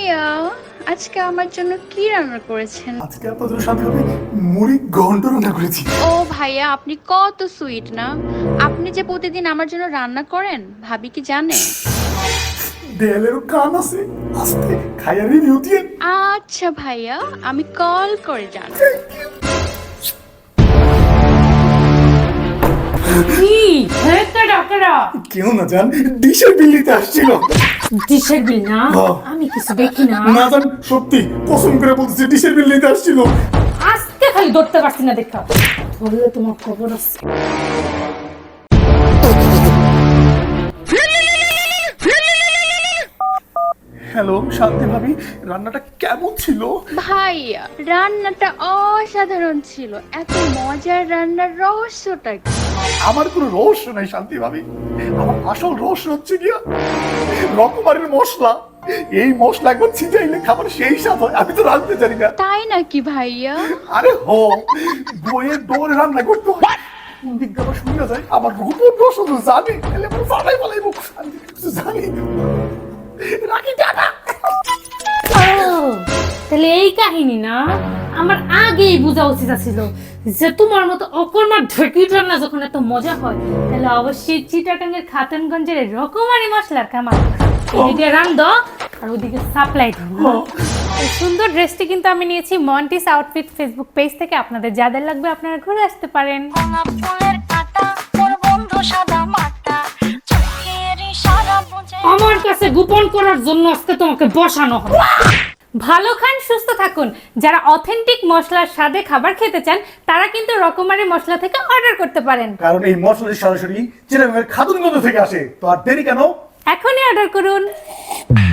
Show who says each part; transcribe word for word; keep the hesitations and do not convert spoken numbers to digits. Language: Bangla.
Speaker 1: ভাইয়া আজকে আমার জন্য কি রান্না করেছেন?
Speaker 2: আজকে আপনাদের সাথে আমি মুড়ি ঘন্ট রান্না করেছি।
Speaker 1: ও ভাইয়া আপনি কত সুইট না। আপনি যে প্রতিদিন আমার জন্য রান্না করেন ভাবি কি জানে?
Speaker 2: দেয়ালেরও কান আছে, আস্তে খাইয়া রিভিউ দিয়ে।
Speaker 1: আচ্ছা ভাইয়া আমি কল করে জানাবো।
Speaker 3: কি হ্যাঁ কাটা কাটা
Speaker 2: কেউ না জান, ডিশের বিল দিতে আসছিল।
Speaker 3: ডিশের বিল না
Speaker 2: হ্যাঁ।
Speaker 3: আমি কিছু দেখি না
Speaker 2: না জান, সত্যি কসম করে বলতেছি ডিশের বিল দিতে আসছিল।
Speaker 3: আজকে খালি ধরতে পারছি না দেখা ধরলে তোমার খবর আছে।
Speaker 2: হ্যালো শান্তি ভাবি, রান্নাটা কেমন ছিল?
Speaker 1: ভাইয়া রান্নাটা অসাধারণ ছিল। এত মজার রান্নার রহস্যটা কি?
Speaker 2: আমার কোনো রহস্য নাই শান্তি ভাবি, আমার আসল রহস্য হচ্ছে গিয়া রকমারের মশলা। এই মশলা একবার ছিটাইলে খাবার সেই স্বাদ হয়। আমি তো রাঁধতে জানি না।
Speaker 1: তাই নাকি ভাইয়া?
Speaker 2: আরে হো, বইয়ের দৌড়ে রান্না করতে হয়। কোন দিক দিয়ে আবার শুনিয়া যায় আমার রূপর রসদ জানি, তাহলে আমার ফালাই ফালাই মুখ। আমি কিছু জানি রাখি টাটা।
Speaker 3: ও, তাহলে এই কাহিনী না আমার আগেই বোঝা উচিত ছিল যে তোমার মতো অকর্মার ঢেকি রান্না যখন এত মজা হয় তাহলে অবশ্যই চিটাগাঙ্গের খাতুনগঞ্জের রকমারি মশলার কামাল। এদিকে রান্ধ আর ওদিকে সাপ্লাই দাও। এই সুন্দর ড্রেসটি কিন্তু আমি নিয়েছি মন্টিস আউটফিট ফেসবুক পেজ থেকে। আপনাদের যাদের লাগবে আপনারা ঘুরে আসতে পারেন।
Speaker 4: ভাঙা ফুলের কাঁটা মোর বন্ধু সাদা মাটা চোখের ইশারা বুঝে
Speaker 3: আমার কাছে গোপন করার জন্য আজকে তোমাকে বসানো হবে। ভালো খান, সুস্থ থাকুন। যারা অথেন্টিক মশলার স্বাদে খাবার খেতে চান তারা কিন্তু রকমারি মশলা থেকে অর্ডার করতে পারেন,
Speaker 2: কারণ এই মশলাটি সরাসরি চিটাগাংয়ের খাতুনগঞ্জ থেকে আসে। তো আর দেরি কেন?
Speaker 3: এখনই অর্ডার করুন।